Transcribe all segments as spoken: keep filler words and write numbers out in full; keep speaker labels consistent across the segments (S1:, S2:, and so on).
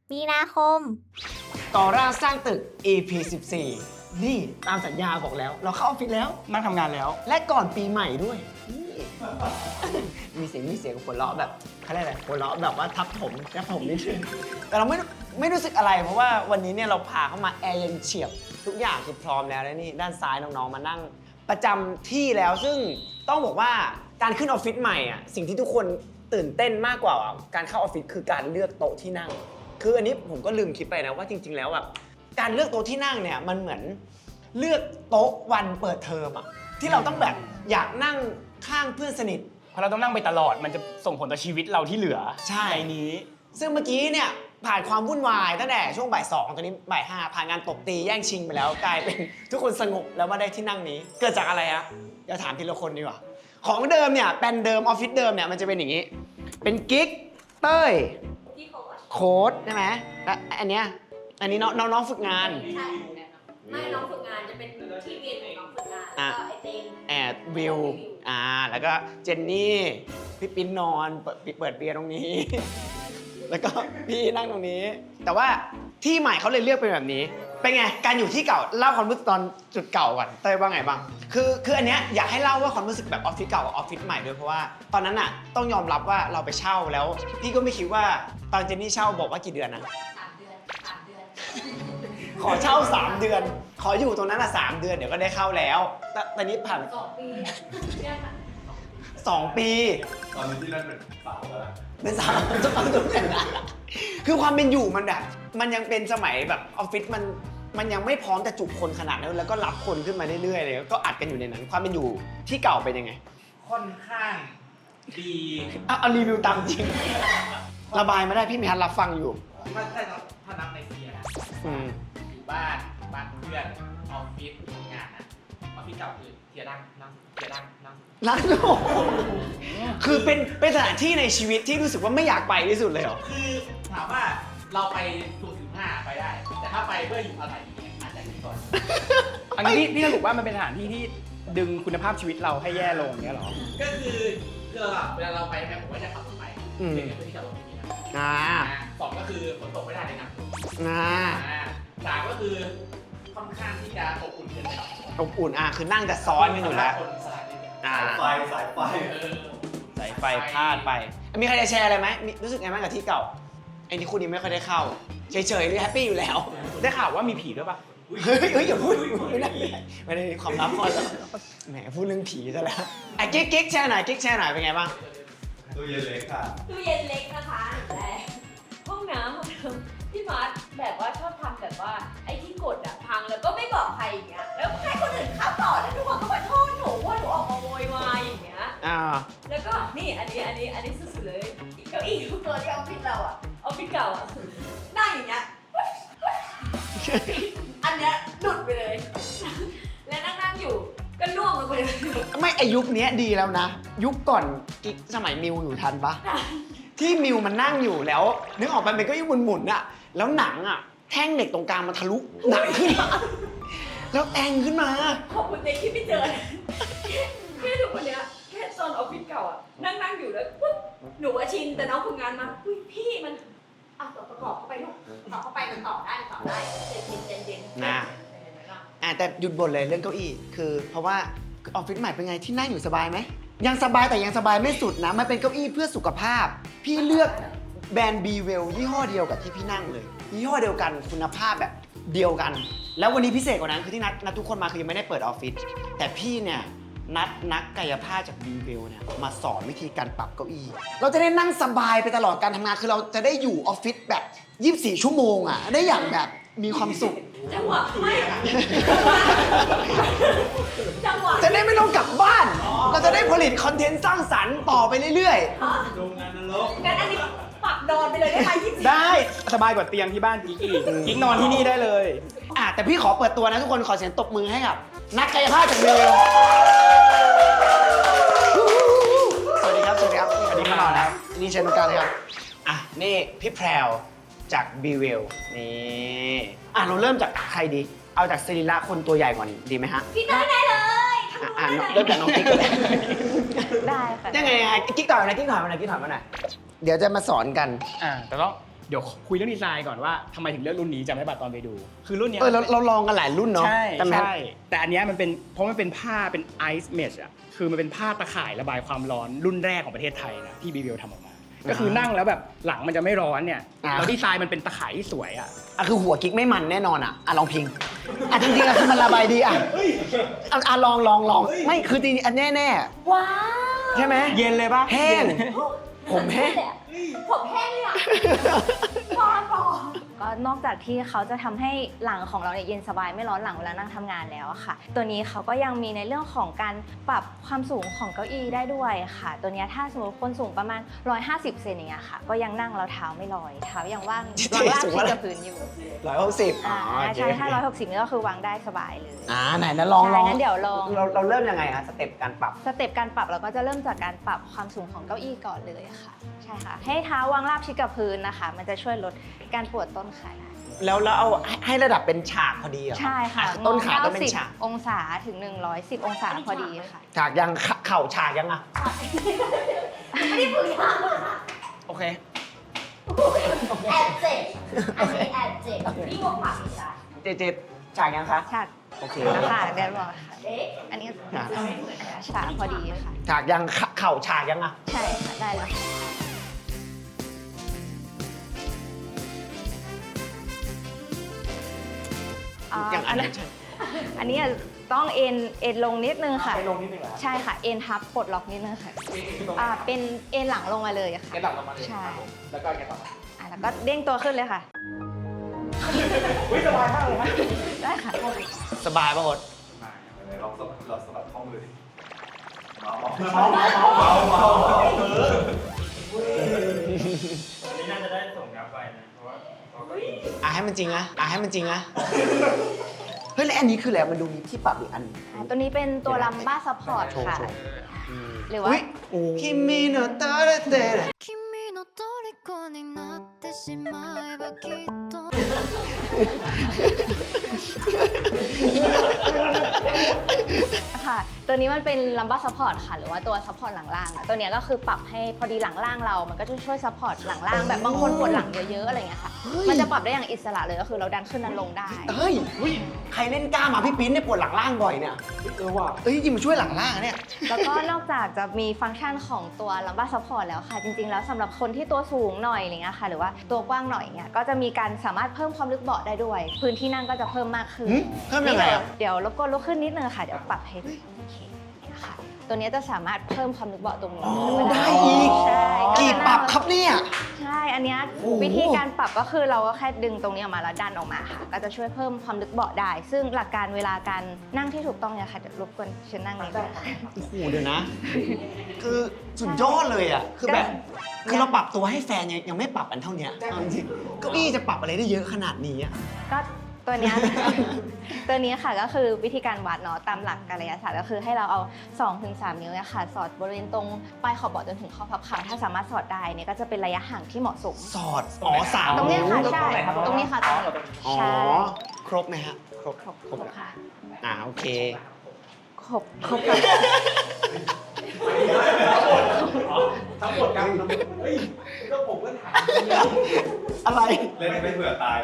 S1: มีนาคม
S2: ก่อร่างสร้างตึก อี พี สิบสี่ นี่ตามสัญญาบอกแล้ว เราเข้าออฟฟิศแล้ว
S3: นั่งทำงานแล้ว
S2: และก่อนปีใหม่ด้วยนี่ มีเสียงมีเสียงหัวเราะแบบเขาเรียกอะไรหัวเราะแบบว่าทับถมทับถมนิดนึงแต่เราไม่ไม่รู้สึกอะไร เพราะว่าวันนี้เนี่ยเราพาเข้ามาแอร์เย็นเฉียบทุกอย่างคือพร้อมแล้วและนี่ด้านซ้ายน้องๆมานั่งประจำที่แล้วซึ่งต้องบอกว่าการขึ้นออฟฟิศใหม่อ่ะสิ่งที่ทุกคนตื่นเต้นมากกว่าการเข้าออฟฟิศคือการเลือกโต๊ะที่นั่ง คืออันนี้ผมก็ลืมคิดไปนะว่าจริง ๆ แล้วแบบการเลือกโต๊ะที่นั่งเนี่ยมันเหมือนเลือกโต๊ะวันเปิดเทอมอะที่เราต้องแบบอยากนั่งข้างเพื่อนสนิท
S3: เพราะเราต้องนั่งไปตลอดมันจะส่งผลต่อชีวิตเราที่เหลือ
S2: ใช่
S3: นี้
S2: ซึ่งเมื่อกี้เนี่ยผ่านความวุ่นวายตั้งแต่ช่วงบ่ายสองตอนนี้บ่ายห้าผ่านงานตบตีแย่งชิงไปแล้วกลายเป็นทุกคนสงบแล้วมาได้ที่นั่งนี้ เกิดจากอะไรอะเดี๋ยวถามทีละคนดีกว่าของเดิมเนี่ยเป็นเดิมออฟฟิศเดิมเนี่ยมันจะเป็นอย่างนี้ เป็นกิ๊กเต้ยโค้ดใช่ไหมและอันเนี้ยอันนี้น้องน้องฝึกงาน
S4: ใช่ไม่น้องฝึกงานจะเป็นที่เรียนของน้องฝึกงาน
S2: อ่ะ
S4: แล้วก็ไอเต็ง
S2: แอดวิวอ่าแล้วก็เจนนี่พี่ปิ้นนอนเปิดเปิดเบียร์ตรงนี้ แล้วก็พี่นั่งตรงนี้ แต่ว่าที่ใหม่เขาเลยเลือกเป็นแบบนี้ เป็นไงการอยู่ที่เก่าเล่าความรู้สึกตอนจุดเก่าก่อนเต้ยว่าไงบ้างคือคืออันเนี้ยอยากให้เล่าว่าความรู้สึกแบบออฟฟิศเก่ากับออฟฟิศใหม่ด้วยเพราะว่าตอนนั้นอ่ะต้องยอมรับว่าเราไปเช่าแล้วพี่ก็ไม่คิดว่าตอนเจนนี่เช่าบอกว่ากี่เดือนนะ
S4: สามเดือนสามเดือน
S2: ขอเช่าสามเดือน ขออยู่ตรงนั้นอ่ะสามเดือนเดี๋ยวก็ได้เข้าแล้วแต่ตอนนี้ผ่าน
S4: สองปีเนี่ยค่ะ
S2: สองปี
S5: ตอนนี้ที่นั่นเป็นเสาแล้วนะ
S2: เป็นสาวจะฟังตรงไหนนะคือความเป็นอยู่มันแบบมันยังเป็นสมัยแบบออฟฟิศมันมันยังไม่พร้อมจะจุคนขนาดนั้นแล้วก็รับคนขึ้นมาเรื่อยๆเลยก็อัดกันอยู่ในนั้น ความเป็นอยู่ที่เก่าเป็นยังไง
S6: ค่อนข้างดี
S2: เอาเอารีวิวตามจริง ระบายมาได้พี่มีฮันรับฟังอยู่
S6: ถ้าถ้าถ้านับในเซียนะ
S2: อืม
S6: อยู่บ้านบ้านเพื่อนออฟฟิศทำงานนะออฟฟิศเก่าคือเทียดังนั่งเทียดังนั่ง
S2: ร้านโลกคือเป็นเป็นสถานที่ในชีวิตที่รู้สึกว่าไม่อยากไปที่สุดเลยเหรอ
S6: คือถามว่าเราไปสูงถึงห้าไปได้ แต่ถ้าไปเพื่ออยู่อาศัยอย่างเงี้ยอาจจะดีก่อน
S3: อันนี้พี่พี่สรุปว่ามันเป็นสถานที่ที่ดึงคุณภาพชีวิตเราให้แย่ลงเนี้ยเหรอ
S6: ก็คือคือเราเวลาเราไปแม่ผมก็จะขับรถไป
S2: อืม
S6: เพื่อที่จะรถที่นี่นะ
S2: อ่า
S6: สองก็คือฝนตกไม่ได้เลยนะ
S2: อ่า
S6: สามก็คือค่อนข้างที่จะอบอุ่นเกินไปหน่อย
S2: อบอุ่นอ่ะคือนั่งจะซ้อนกันอยู่แล้ว
S6: คนสลัดนิดนึง
S2: อ่า
S5: ไฟสายไฟ
S6: เออ
S2: สายไฟพลาดไป มีใครจะแชร์อะไรไหมมีรู้สึกไงบ้างกับที่เก่าไอ้นี่คุณยังไม่ค่อยได้เข้า เฉยๆหรือแฮปปี้อยู่แล้ว
S3: ได้ข่าวว่ามีผีด้วยปะ
S2: เฮ้ยเฮ้ยอย่าพูดไม่ได้ไม่ได้ความลับพอแล้วแหมพูดเรื่องผีซะแล้วไอ้กิ๊กกิ๊กแชร์หน่อยกิ๊กแชร์หน่อยเป็นไงบ้าง
S5: ตู้เย็นเล็กค่ะ
S4: ตู้เย็นเล็กนะคะแต่ห้องน้ำห้องน้ำพี่มาร์ทแบบว่าชอบทำแบบว่าไอ้ที่กดอะพังแล้วก็ไม่บอกใครอย่างเงี้ยแล้วให้คนอื่นเข้าต่อแล้วทุกคนก็มาโทษหนูว่าหนูออกมาโวยวายอย่างเงี้ย
S2: อ่า
S4: แล้วก็นี่อันนี้อันนี้อันนี้สุดๆเลยเก้าอี้ทุกตัวที่ออฟฟิศเราอะออฟฟิศเก่าอะนั่งอย่างเงี้ยอันเนี้ยหลุดไปเลย แล้วนั่งนั่งๆอยู่ก็ล่วงลงไปเลย
S2: ไม่ไอยุคนี้ดีแล้วนะ ยุคก่อนกิ๊กสมัยมิวอยู่ทันปะที่มิวมันนั่งอยู่แล้วนึกออกไปเป็นเก้าอี้หมุนๆอะแล้วหนังอะแท่งเหล็กตรงกลางมันทะลุหนังขึ้นมาแล้วแองขึ้นมา
S4: ขอบคุณเด็กที่ไม่เจอแค่ถูกคนเนี้ยแค่ตอนออฟฟิศเก่าอะนั่งนั่งๆอยู่แล้วปุ๊บหนูว่าชินแต่น้องฝึกงานมาอุ้ยพี่มันอ่ะต่อประกอบเข้าไปลูกต่อเข้าไปมันต่อได้มันต่อได้เย็นเย็นเย็น
S2: นะ อ่ะแต่หยุดบ่นเลยเรื่องเก้าอี้คือเพราะว่าออฟฟิศใหม่เป็นไงที่นั่งอยู่สบายไหมยังสบายแต่ยังสบายไม่สุดนะมันเป็นเก้าอี้เพื่อสุขภาพ พี่เลือกแบรนด์บีเวลยี่ห้อเดียวกับที่พี่นั่งเลยยี่ห้อเดียวกันคุณภาพแบบเดียวกัน แล้ววันนี้พิเศษกว่านั้นคือที่นัดนัดทุกคนมาคือยังไม่ได้เปิดออฟฟิศแต่พี่เนี่ยนัดนักกายภาพจากบีเวลเนี่ยมาสอนวิธีการปรับเก้าอี้เราจะได้นั่งสบายไปตลอดการทำงานคือเราจะได้อยู่ออฟฟิศแบบยี่สิบสี่ชั่วโมงอ่ะได้อย่างแบบมีความสุข
S4: จังหวะไม่จังหวะ
S2: จะได้ไม่ต้องกลับบ้าน เราจะได้ผลิตคอนเทนต์สร้างสรรค์ต่อไปเรื่อย
S5: โรงงานนรก
S4: งั้นอันนี้ปักนอนไปเลยได้ไหมยี่สิบ
S3: ได้สบายกว่าเตียงที่บ้านกิ๊กอีกกิ๊กนอนที่นี่ได้เลย
S2: ๆ อ่ะแต่พี่ขอเปิดตัวนะทุกคนขอเสียงตบมือให้กับนักกายภาพจากเบลสวัสดีครับ สวัสดีครับ
S3: สวัสดีครับ
S2: นะนี่เชิญตรงกลางเลยครับ อ่ะ นี่พี่แพรวจากบีเวลนี่ อ่ะ เราเริ่มจากใครดี เอาจากศิริละคนตัวใหญ่ก่อนดีไหมฮะ
S4: พี่เต้ยได้เลยทำ
S2: อ่ะ
S4: ได้
S2: อ่ะ
S4: เลย
S2: เริ่มจากน้องกิ๊กก่อนเลย
S1: ได้ค่ะ
S2: ยังไงยังไงกิ๊กต่อยมาหน่อยกิ๊กต่อยมาหน่อยกิ๊กต่อยมาหน่อยเดี๋ยวจะมาสอนกัน
S3: อ่าแต่ต้องเดี๋ยวคุยเรื่องดีไซน์ก่อนว่าทำไมถึงเลือกรุ่นนี้จำได้ป่ะตอนไปดู คือรุ่นเนี้ย
S2: เออเราเราลองกันหลายรุ่นเนาะ
S3: ใช่
S2: แต่แม้
S3: ใช่แต่อันเนี้ยมันเป็นเพราะมันเป็นผ้าเป็นไอซ์เมชอะคือมันเป็นผ้าตะข่ายระบายความร้อนรุ่นแรกของประเทศไทยนะที่บีบีทำออกมา ก็คือนั่งแล้วแบบหลังมันจะไม่ร้อนเนี่ยแล้วดีไซน์มันเป็นตะข่ายที่สวยอะ
S2: อ่ะคือหัวกิ๊กไม่มันแน่นอนอ่ะอ่ะลองพิงอ่ะจริงๆอ่ะคือมันระบายดีอ่ะอ่ะอ่ะลองลองลองไม่คือจริงๆอันแน่แน่
S4: ว้าว
S2: ๆใช่ไหม
S3: เย็นเลยปะ
S2: แห้ง ผมแห้ง
S4: ผมแห้งเลยอ่ะพอพอ
S1: ก็นอกจากที่เขาจะทำให้หลังของเราเนี่ยเย็นสบายไม่ร้อนหลังเวลานั่งทำงานแล้วอะค่ะ ตัวนี้เขาก็ยังมีในเรื่องของการปรับความสูงของเก้าอี้ได้ด้วยค่ะ ตัวเนี้ยถ้าสมมติคนสูงประมาณหนึ่งร้อยห้าสิบเซนอย่างเงี้ยค่ะ ก็ยังนั่งแล้วเท้าไม่ลอยเท้ายังว่างวางลากที่กับพื้นอยู่
S2: ร้อยหกสิบ
S1: อ่าใช่ถ้าหนึ่งร้อยหกสิบนี่ก็คือวางได้สบายเลย
S2: อ่าไหนนะลองลอง
S1: ใช่งั้นเดี๋ยวลอง
S2: เราเราเริ่มยังไงคะสเต็ปการปรับ
S1: สเต็ปการปรับเราก็จะเริ่มจากการปรับความสูงของเก้าอี้ก่อนเลยค่ะใช่ค่ะให้เท้าวางราบชิดกับพื้นนะคะ มันจะช่วยลดการปวดต้นขาได้
S2: แล้วแล้วเอาให้ให้ระดับเป็นฉากพอดีเหรอ
S1: ใช่ค่ะ
S2: อ่ต้นขาต้องเป็นฉาก
S1: เก้าสิบองศาถึงหนึ่งร้อยสิบองศาพอดีค่ะ
S2: ฉากยังเขเข่าฉากยังอ่ะ
S4: ไม่ได้ฝึกทาง
S2: โอเค
S4: แอบเจ็บอันนี้แอบเจ็บนี่วงผักอีกอ่ะ
S2: เจเจฉากยังคะ
S1: ฉาก
S2: โอเค
S1: นะคะเดี๋ยวบอกค่ะ
S4: เอ๊ะ
S1: อันนี้ฉากพอดีค่ะ
S2: ฉากยังเขเข่าฉากยังอ่ะ
S1: ใช่ค่ะได้แล้วอ่า
S2: อย่างอั
S1: อั
S2: น
S1: น
S2: นั้
S1: นั้น น
S2: ใช่
S1: อันนี้ต้องเอ็นเอ็นลงนิดนึงค่ะ
S3: ไปลงนิดนึงเหรอ
S1: ใช่ค่ะ เอ็นทับปลดล็อกนิดนึงค่ะอ่าเป็นเอ็นหลังลงมาเลยค่ะ
S6: แกหลับลงมาเลย
S1: ใช่
S6: ครับผมแล้วก็แกต่อมา
S1: อ่ะแล้วก็เด้งตัวขึ้นเลยค่ะ
S3: อุ้ยสบายมากเลยนะ
S1: ได้ค่ะ
S2: สบายป่ะโอ๊ต
S5: ไหนลองสะบัดลองสะบัดข้อมือดิเมา
S3: เมาเมาเมา
S5: เมาเมา
S7: วันนี้น่าจะได้ส่งกลับไปนะ เพราะว่าเขาก็
S2: อ่ะให้มันจริงนะอ่ะให้มันจริงนะเฮ้ยแล้วอันนี้คืออะไรมันดูมีที่ปรับอีกอัน
S1: อ่าตัวนี้เป็นตัวลัมบ้าซัพพอร์ต
S2: โชว์
S1: ค่ะ
S2: โชว์
S1: หรือว่า
S2: คิมิโนโตะเตะ
S8: 君の虜になってしまえばきっと
S1: ค่ะ ตัวนี้มันเป็นลัมบ้าซัพพอร์ตค่ะ หรือว่าตัวซัพพอร์ตหลังล่างอะตัวเนี้ยก็คือปรับให้พอดีหลังล่างเรา มันก็จะช่วยซัพพอร์ตหลังล่างแบบบางคนปวดหลังเยอะๆอะไรเงี้ยค่ะ มันจะปรับได้อย่างอิสระเลยก็คือเราดันขึ้นดันลงได้
S2: เฮ้ยใครเล่นกล้ามมาพี่ปิ้นเนี่ยปวดหลังล่างบ่อยเนี่ย
S3: เออว่ะ
S2: เอ้ยจริงมันช่วยหลังล่างอะเนี่ย
S1: แล้วก็นอกจากจะมีฟังก์ชันของตัวลัมบ้าซัพพอร์ตแล้วค่ะ จริงๆ แล้วสำหรับคนที่ตัวสูงหน่อยอะไรเงี้ยค่ะ หรือว่าตัวกว้างหน่อยเงี้ย ก็จะมีการสามารถเพิ่มความลึกเบาะได้ด้วย พื้นที่นั่งก็จะเพิ่มมากขึ้น
S2: หืมเพิ่มยังไงอะ
S1: เดี๋ยวรบกวนลุกขึ้นนิดนึงค่ะ เดี๋ยวปรับให้ดูโอเคเนี่ยค่ะ ตัวเนี้ยจะสามารถเพิ่มความลึกเบาะตรงนี้
S2: อ๋อ
S1: ขึ้นมา
S2: ได้อีก
S1: ใช่
S2: กี่
S1: จะ
S2: ป
S1: นั่
S2: รั
S1: ง
S2: บครับเนี่ย
S1: ใช่ อันเนี้ย
S2: โอ้โห
S1: วิธีการปรับก็คือเราก็แค่ดึงตรงนี้ออกมาแล้วดันออกมาค่ะ ก็จะช่วยเพิ่มความลึกเบาะได้ ซึ่งหลักการเวลาการนั่งที่ถูกต้องเนี่ยค่ะ เดี๋ยวรบกวนเชิญนั่งนี้ด้วยค่ะ
S2: โอ้โหเดี๋ยวนะ คือสุดยอดเลยอ่ะ คือแบบ คือเราปรับตัวให้แฟนยังยังไม่ปรับอันเท่าเนี้ยเอาจริงๆเก้าอี้จะปรับอะไรได้เยอะขนาดนี้อ่ะ
S1: ก็ตัวเนี้ย ตัวนี้ค่ะก็คือวิธีการวัดเนาะตามหลักกายศาสตร์ก็คือให้เราเอา สองถึงสาม นิ้วเนี่ยค่ะ สอดบริเวณตรงปลายขอบเบาะจนถึงข้อพับขาถ้าสามารถสอดได้เนี่ยก็จะเป็นระยะห่างที่เหมาะสม
S2: สอด อ๋อสาม
S1: ตรงเนี้ยค่ะ
S2: นิ้ว
S1: ใช่ตรงนี้ค่ะตรงนี้
S2: อ๋อ
S1: ใช่
S2: ครบไหมฮะ ครบ
S1: ครบ
S2: ครบ
S1: ค่ะ
S2: อ่าโอเค
S1: ครบครบค่ะ
S3: ทั้งหมดกันเฮ้ยก็ผมก็ถาม
S2: อะไร
S5: เล่นไม่เผื่อตายเลย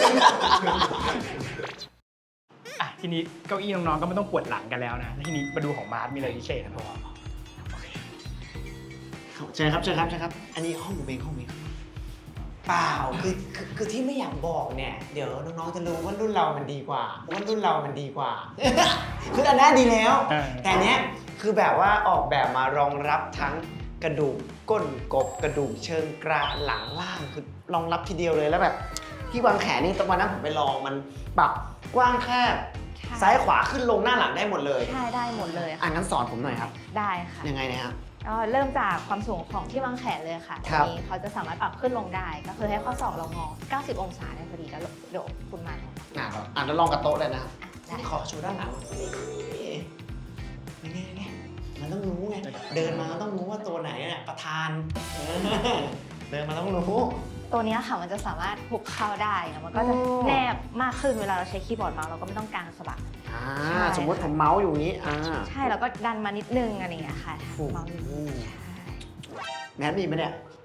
S3: อ่ะทีนี้เก้าอี้น้องๆก็ไม่ต้องปวดหลังกันแล้วนะแล้วทีนี้มาดูของมาร์ทมีอะไรพิเศษนะพ่อ
S2: เชิญครับเชิญครับเชิญครับ อันนี้ห้องผมเองห้องผมเองเปล่าคือคือคือที่ไม่อยากบอกเนี่ย เดี๋ยวน้องๆจะรู้ว่ารุ่นเรามันดีกว่าว่ารุ่นเรามันดีกว่า คืออันนั้นดีแล้ว แต่เนี้ยคือแบบว่าออกแบบมารองรับทั้งกระดูกก้นกบกระดูกเชิงกรานหลังล่างคือรองรับทีเดียวเลยแล้วแบบที่วางแขนนี่ตอนวันนั้นผมไปลองมันปรับกว้างแคบ
S1: ใช่
S2: ซ้ายขวาขึ้นลงหน้าหลังได้หมดเลย
S1: ใช่ได้หมดเลย
S2: อ่ะ
S1: ค่ะ
S2: งั้นสอนผมหน่อยครับ
S1: ได้ค่ะ
S2: ยังไงนะฮะ
S1: ก็เริ่มจากความสูงของที่วางแขนเลยค่ะ
S2: ครับ
S1: อันนี้เขาจะสามารถปรับขึ้นลงได้ ก็คือให้ข้อศอกเรางอ เก้าสิบ องศาได้พอดีแล้วเดี๋ยวคุณมา
S2: อ่ะอ่ะแล้วลองกับโต๊ะเลยนะครับ
S1: ได้
S2: ขอโชว์ด้านหลังนี่ไงไงมันต้องรู้ไง เดินมาต้องรู้ว่าตัวไหนเนี่ยประธานเออเดินมาต้องรู้
S1: ตัวเนี้ยค่ะมันจะสามารถหุบเข้าได้นะมันก็จะ
S2: โอ้
S1: แนบมากขึ้นเวลาเราใช้คีย์บอร์ดเมาส์เราก็ไม่ต้องกางสะบัก
S2: อ่า
S1: ใช่
S2: สมมติผมเมาส์อยู่อย่างนี้ อ่า
S1: ใช่แล้วก็ดันมานิดนึงอะไรอย่างเงี้ยค่ะ
S2: โอ้โห
S1: เมาส์อยู่ใช่
S2: แมทมีไหมเนี่ย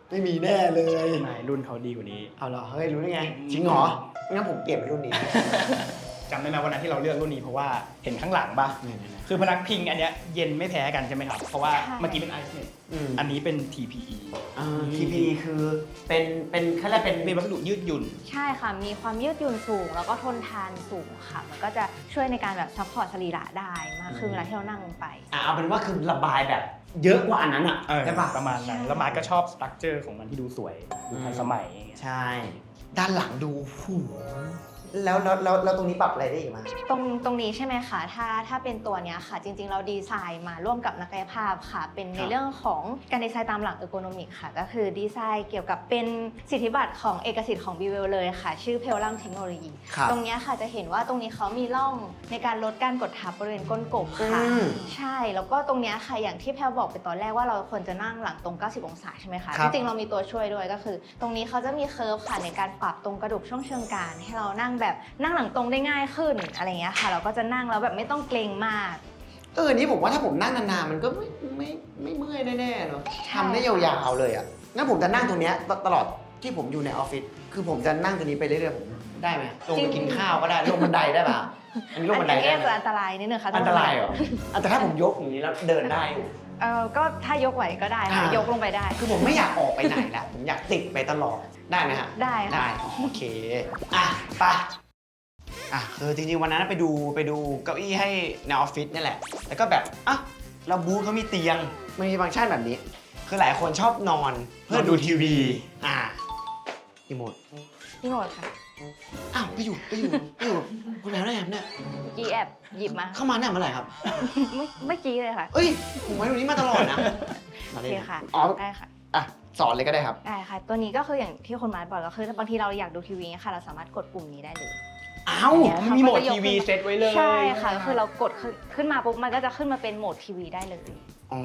S2: ไม่มีแน่เลย
S3: ไม่รุ่นเขาดีกว่านี้
S2: เอาเหรอเฮ้ยรู้ได้ไงจริงเหรองั้นผมเปลี่ยนเป็นรุ่นนี้
S3: จำได้ไหมวันนั้นที่เราเลือกรุ่นนี้เพราะว่าเห็นข้างหลังป่ะ
S2: เนี่ยๆ
S3: คือพนักพิงอันเนี้ยเย็นไม่แพ้กันใช่ไหมครับ เพราะว่า
S1: ใช่
S3: เมื่อกี้เป็นไอซ์เมด
S2: อืม
S3: อันนี้เป็น ที พี อี
S2: อ่า ที พี คือเป็นเป็นเขาเรียกเป็น
S3: เป็นวัสดุยืดหยุ่น
S1: ใช่ค่ะ มีความยืดหยุ่นสูง แล้วก็ทนทานสูงค่ะ มันก็จะช่วยในการแบบซัพพอร์ตสรีระได้มากขึ้นเวลาที่เรานั่งลงไป
S2: อ่ะเอาเป็นว่าคือระบายแบบ เยอะกว่าอันนั้นอ่ะ
S3: เออ
S2: ใช่ปะ
S3: ประมาณนั้น
S1: ใช่
S3: แล้วมาร์คก็ชอบสตรัคเจอร์ของมันที่ดูสวยดูทันสมัยอย่างเงี้ย
S2: ใช่ ด้านหลังดูหูแล้วแล้วแล้วแล้วตรงนี้ปรับอะไรได้อีกมั้ย
S1: ตรงตรงนี้ใช่ไหมคะถ้าถ้าเป็นตัวเนี้ยค่ะ จริงๆ เราดีไซน์มาร่วมกับนักกายภาพค่ะ เป็นในเรื่องของการดีไซน์ตามหลักเออร์โกนอมิกค่ะ ก็คือดีไซน์เกี่ยวกับเป็นสิทธิบัตรของเอกสิทธิ์ของ บี เวล เลยค่ะ ชื่อเพลลัมเทคโนโลยี
S2: ครับ
S1: ตรงเนี้ยค่ะจะเห็นว่าตรงนี้เขามีร่องในการลดการกดทับบริเวณก้นกบค่ะ
S2: อืม
S1: ใช่ แล้วก็ตรงเนี้ยค่ะอย่างที่แพลบอกไปตอนแรกว่าเราควรจะนั่งหลังตรง เก้าสิบ องศาใช่ไหมคะ
S2: ครั
S1: จ
S2: บ
S1: ริงๆ เรามีตัวช่วยด้วยก็คือ ตรงนี้เขาจะมีเคิร์ฟค่ะในการปรับตรงกระดูกช่วงเชิงกรานให้เรานั่งแบบนั่งหลังตรงได้ง่ายขึ้นอะไรเงี้ยค่ะ เราก็จะนั่งแล้วแบบไม่ต้องเกรงมาก
S2: เออนี่ผมว่าถ้าผมนั่งนานๆมันก็ไม่ไม่ไม่เมื่อยแน่ๆเนาะ
S1: ใช่
S2: ทำได้ยาวๆเลยอ่ะงั้นผมจะนั่งตรงเนี้ยตตลอดที่ผมอยู่ในออฟฟิศคือผมจะนั่งตรงนี้ไปเรื่อยๆผมได้ไหมลงไปกินข้าวก็ได้ลงบันไดได้ป่ะอันนี้ลงบันได
S1: อัน
S2: ได้
S1: นี้
S2: ไหม
S1: จะอันตรายนิดนึงค่ะ
S2: อันตรายเหรออ่ะแต่ถ้าผมยกอย่างนี้แล้วเดินได้อยู่
S1: เออก็ถ้ายกไหวก็ได้ค่ะ
S2: อ่าย
S1: ยกลงไปได้
S2: คือผมไม่อยากออกไปไหนละผมอยากติดไปตลอดได้ไหมฮะ
S1: ได้ค่ะ
S2: ได้โอเคอ่ะไปอ่ะคือจริงๆวันนั้นไปดูไปดูเก้าอี้ให้ในออฟฟิศนี่แหละแล้วก็แบบอ่ะเราบูธเขามีเตียงมันมีฟังก์ชันแบบนี้ คือหลายคนชอบนอนเพื่อดูทีวีอ่ะรีโมท
S1: พี่โหนดค่ะ
S2: อ้าวไปอยู่ไปอยู่ไปอยู่คุณแม่ได้ยังเนี่ย
S1: กีแอบหยิบมา
S2: เข้ามาเนี่ยเมื่อไหร่ครับ
S1: เมื่อเมื่อกี้เลยค่ะ
S2: เอ้ยผมไว้ตรงนี้มาตลอดนะ
S1: โอเคค่ะ
S2: อ๋อ
S1: ได้ค่ะ
S2: อ่ะสอนเลยก็ได้ครับ
S1: ได้ค่ะ ตัวนี้ก็คืออย่างที่คนมาบอกก็คือบางทีเราอยากดูทีวีค่ะ เราสามารถกดปุ่มนี้ได้เลย
S2: อ้าว
S1: เนี่ย
S3: มีโหมดทีวีเซตไว้เลย
S1: ใช่ค่ะก็คือเรากดขึ้นขึ้นมาปุ๊บมันก็จะขึ้นมาเป็นโหมดทีวีได้เลย
S2: อ๋อ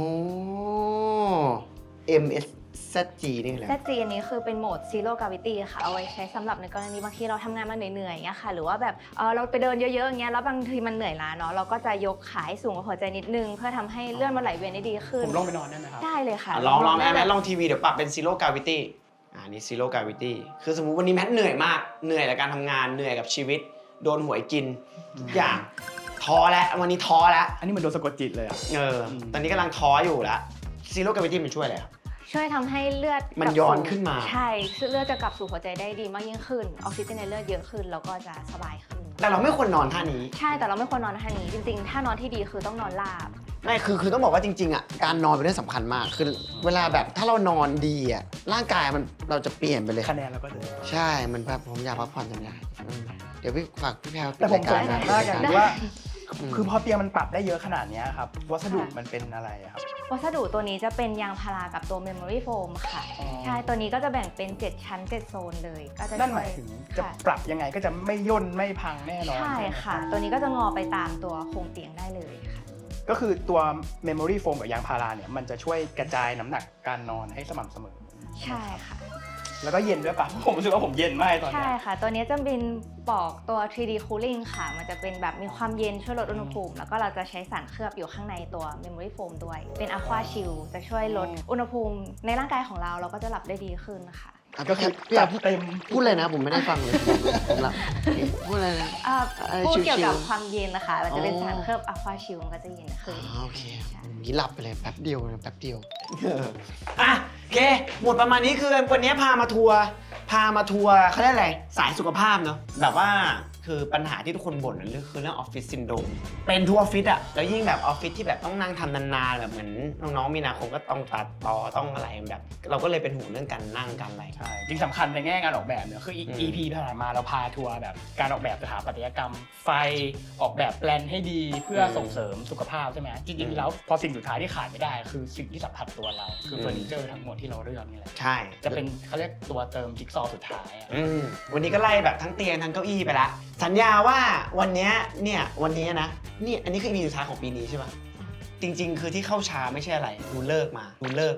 S2: เอ็ม เอส แซด จี นี่แหละ
S1: แซด จี อันนี้คือเป็นโหมด Zero Gravity ค่ะ เอาไว้ใช้สำหรับในกรณีบางทีเราทำงานมาเหนื่อยๆอย่างเงี้ยค่ะ หรือว่าแบบเออเราไปเดินเยอะๆอย่างเงี้ย แล้วบางทีมันเหนื่อยล้าเนาะ เราก็จะยกขาให้สูงกว่าหัวใจนิดนึง เพื่อทำให้เลือดมันไหลเวียนได้ดีขึ้น
S3: ผมลงไปนอนได้ไหมครับ
S1: ได้เลยค่ะ
S2: อ่ะลองลองแม่
S1: ได้
S2: แม่
S1: แบบ
S2: ลองทีวีเดี๋ยวปรับเป็น Zero Gravity อ่านี่ Zero Gravity คือสมมุติวันนี้แมทเหนื่อยมาก เหนื่อยกับการทำงาน เหนื่อยกับชีวิต โดนหวยกินทุกอย่าง ท้อแล้ว วันนี้ท้อแล้ว
S3: อันนี้เหมันโดนสะกดจิตเลยอ่ะ
S2: เออ
S3: อืม
S2: ตอนนี้กำลังท้ออยู่แล้ว Zero Gravity มันช่วยอะไรครับ
S1: ช่วยทำให้เลือด
S2: มัน
S1: กลับ
S2: ย้อน
S1: สู่
S2: ขึ้นมา
S1: ใช่เลือดจะกลับสู่หัวใจได้ดีมากยิ่งขึ้น ออกซิเจนในเลือดเยอะขึ้น แล้วก็จะสบายขึ้น
S2: แต่เราไม่ควรนอนท่านี้
S1: ใช่ แต่เราไม่ควรนอนท่านี้ จริงๆ ถ้านอนที่ดีคือต้องนอนราบ
S2: ไม่คือคือต้องบอกว่าจริงๆอ่ะการนอนเป็นเรื่องสำคัญมาก คือเวลาแบบถ้าเรานอนดีอ่ะร่างกายมันเราจะเปลี่ยนไปเลย
S3: คะแนนเราก็เดิน
S2: ใช่ มันแบบผมอยากพักผ่อนจังเลยอืมเดี๋ยวพี่ฝากพี่แพรว
S3: แต่ผมสง
S2: ราย
S3: สั
S2: กาย ร
S3: มากอย่าง
S2: นะ
S3: ที่ว่า
S2: อืม
S3: คือพอเตียงมันปรับได้เยอะขนาดเนี้ยครับ วัสดุมันเป็นอะไรอะครับ
S1: วัสดุตัวนี้จะเป็นยางพารากับตัว Memory Foam ค่ะ
S3: อ๋อ
S1: ใช่ ตัวนี้ก็จะแบ่งเป็น เจ็ด ชั้น เจ็ด โซนเลย ก็จะ
S3: นั่นห
S1: ช่ว
S3: มาย ยถึงจะ
S1: ค่ะ
S3: ปรับยังไงก็จะไม่ย่นไม่พังแน่นอน
S1: ใช่ค่ะ ตัวนี้ก็จะงอไปตามตัวโครงเตียงได้เลยค่ะ
S3: ก็คือตัว Memory Foam กับยางพาราเนี่ยมันจะช่วยกระจายน้ำหนักการนอนให้สม่ำเสมอ
S1: ใช่ค่ะ
S3: แล้วก็เย็นด้วยป่ะ ผมรู้สึกว่าผมเย็นมากตอน
S1: ใช่
S3: เนี้ย
S1: ค่ะ ตัวนี้จะเป็นปลอกตัว ทรี ดี Cooling ค่ะ มันจะเป็นแบบมีความเย็นช่วยลดอุณหภูมิ แล้วก็เราจะใช้สารเคลือบอยู่ข้างในตัว Memory Foam ด้วย เป็น Aqua Shield จะช่วยลดอุณหภูมิในร่างกายของเรา เราก็จะหลับได้ดีขึ้นค่ะ
S2: อ่ะ
S3: ก็
S2: พี่
S3: คือ
S2: แพร
S3: จั
S2: ว
S3: ด
S2: พูด
S3: เต็ม
S2: พูดเลยนะ ผมไม่ได้ฟังเลย ผมหลับพูดอะไรนะ
S1: อ่า
S2: อะไร
S1: พูดเกี่ยวกับ
S2: ชิวๆ
S1: ความเย็นนะคะ มันจะเป็น
S2: อ๋อ
S1: สารเคลือบ Aqua Shield มันก็จะเย็นขึ้น
S2: อ๋อโอเค
S1: ใช่
S2: ผมนี้หลับไปเลยแป๊บเดียวนะแป๊บเดียวอ่ะโอเค หมดประมาณนี้คือวันนี้พามาทัวร์พามาทัวร์เขาเรียกอะไรสายสุขภาพเนาะแบบว่าคือปัญหาที่ทุกคนบ่นนั่นคือเรื่องออฟฟิศซินโดรมเป็นทัวร์ออฟฟิศอะแล้วยิ่งแบบออฟฟิศที่แบบต้องนั่งทำนานๆแบบเหมือนน้องๆมีนาคมก็ต้องตัดต่อต้องอะไรแบบ เราก็เลยเป็นห่วงเรื่องการนั่งการอะไร
S3: ใช่จริงสำคัญในแง่การออกแบบเนี่ยคือ
S2: อืม
S3: อี พี ผ่านมาเราพาทัวร์แบบการออกแบบสถาปัตยกรรม ไฟออกแบบแปลนให้ดีเพื่อส่งเสริมสุขภาพใช่ไหมจริงๆแล้วพอสิ่งสุดท้ายที่ขาดไม่ได้ คือสิ่งที่สัมผัสตัวเราคือเฟอร์นิเจอร์ทั้งหมดที่เราเลือกนี่แหละ
S2: ใช่
S3: จะเป็นเขาเรียกตัวเติมจิ๊กซอว์สุดท้ายอะ
S2: อืมวันนี้ก็ไล่แบบทั้งเตียงทั้งเก้าอี้ไปละสัญญาว่าวันเนี้ยเนี่ยวันนี้นะนี่อันนี้คือ อี พี สุดท้ายของปีนี้ใช่ปะจริง ๆ คือที่เข้าช้าไม่ใช่อะไรดูเลิกมาดูเลิกมา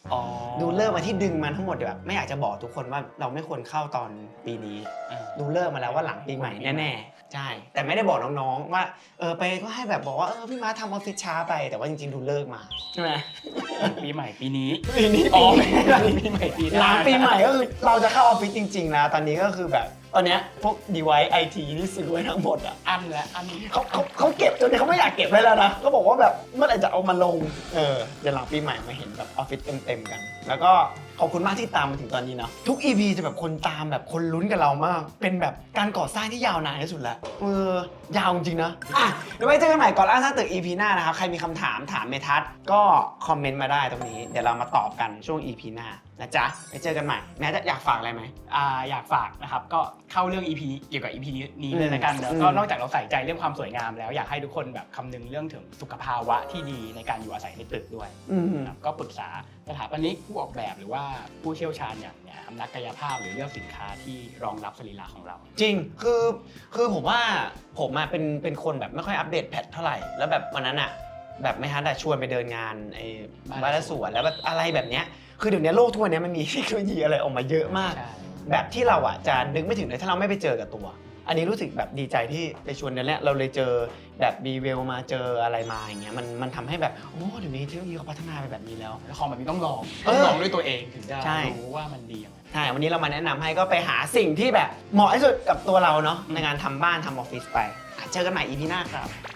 S3: อ๋อ
S2: ดูเลิกมาที่ดึงมันทั้งหมดแบบไม่อยากจะบอกทุกคนว่าเราไม่ควรเข้าตอนปีนี้
S3: อ่า
S2: ดูเลิกมาแล้วว่าหลังปีใหม่แน่ๆใช่แต่ไม่ได้บอกน้องๆว่าเออไปก็ให้แบบบอกว่าเออพี่ม้าทำออฟฟิศช้าไปแต่ว่าจริงๆดูเลิกมาใช่ไหม
S3: ปีใหม่ปีนี้
S2: ปีนี้
S3: อ๋
S2: ปี
S3: อ
S2: นี้
S3: ปีใหม่ปีห
S2: ห
S3: น้า
S2: ลังปีใหม่ก็คือเราจะเข้าออฟฟิศจริงๆนะตอนนี้ก็คือแบบตอนเนี้ยพวก device ไอ ที ที่ซื้อไว้ทั้งหมดอ่ะ
S3: อันแล้วอัน
S2: เขาเขาเขาเก็บจนเขาไม่อยากเก็บไว้แล้วนะเขาบอกว่าแบบเมื่อไหร่จะเอามาลงเออเดี๋ยวหลังปีใหม่มาเห็นแบบออฟฟิศเต็มๆกัน แล้วก็ขอบคุณมากที่ตามมาถึงตอนนี้เนาะทุก อี พี จะแบบคนตามแบบคนลุ้นกับเรามาก เป็นแบบการก่อสร้างที่ยาวนานที่สุดแล้วเออยาวจริงๆนะอ่ะเดี๋ยวไว้เจอกันใหม่ก่อนล่าสร้างตึก อี พี หน้านะครับใครมีคำถามถามเมทัศน์ก็คอมเมนต์มาได้ตรงนี้เดี๋ยวเรามาตอบกันช่วง อี พี หน้านะจ๊ะไปเจอกันใหม่แม้จะอยากฝากอะไรไหม
S3: อ่าอยากฝากนะครับก็เข้าเรื่อง อี พี เกี่ยวกับ อี พี นี้เลยละกัน
S2: อืม
S3: แล้วก็นอกจากเราใส่ใจเรื่องความสวยงามแล้วอยากให้ทุกคนแบบคำนึงเรื่องถึงสุขภาวะที่ดีในการอยู่อาศัยในตึกด้วย
S2: อืม
S3: นะครับก็ปรึกษาสถาปนิกผู้ออกแบบหรือว่าผู้เชี่ยวชาญอย่างเนี่ยนักกายภาพหรือเลือกสินค้าที่รองรับสรีระของเรา
S2: จริง คือ คือผมว่าผมอะเป็น เป็นคนแบบไม่ค่อยอัปเดตแพทเท่าไหร่ แล้วแบบวันนั้นอะแบบไม่ฮัทอะชวนไปเดินงานไอ้
S3: บ้าน
S2: บ้านและสวนแล้วแบบอะไรแบบเนี้ย คือเดี๋ยวนี้โลกทุกวันนี้มันมีเทคโนโลยีอะไรออกมาเยอะมาก
S3: ใช่
S2: แบบที่เราอะจะนึกไม่ถึงเลยถ้าเราไม่ไปเจอกับตัว อันนี้รู้สึกแบบดีใจที่ไปชวนเดือนแรกเราเลยเจอแบบบีเวลมาเจออะไรมาอย่างเงี้ย มัน มันทำให้แบบ โอ้ เดี๋ยวนี้เทคโนโลยีเขาพัฒนาไปแบบนี้แล้ว
S3: แล้วของแบบนี้ต้องลอง
S2: เอ
S3: ต้อ
S2: อ
S3: งลองด้วยตัวเองถึงจะ
S2: ใช่
S3: รู้ว่ามันดียังไง
S2: ใช่ วันนี้เรามาแนะนำให้ก็ไปหาสิ่งที่แบบเหมาะที่สุดกับตัวเราเนาะในการทำบ้านทำออฟฟิศไปอ่ะเจอกันใหม่ อี พี หน้าครับ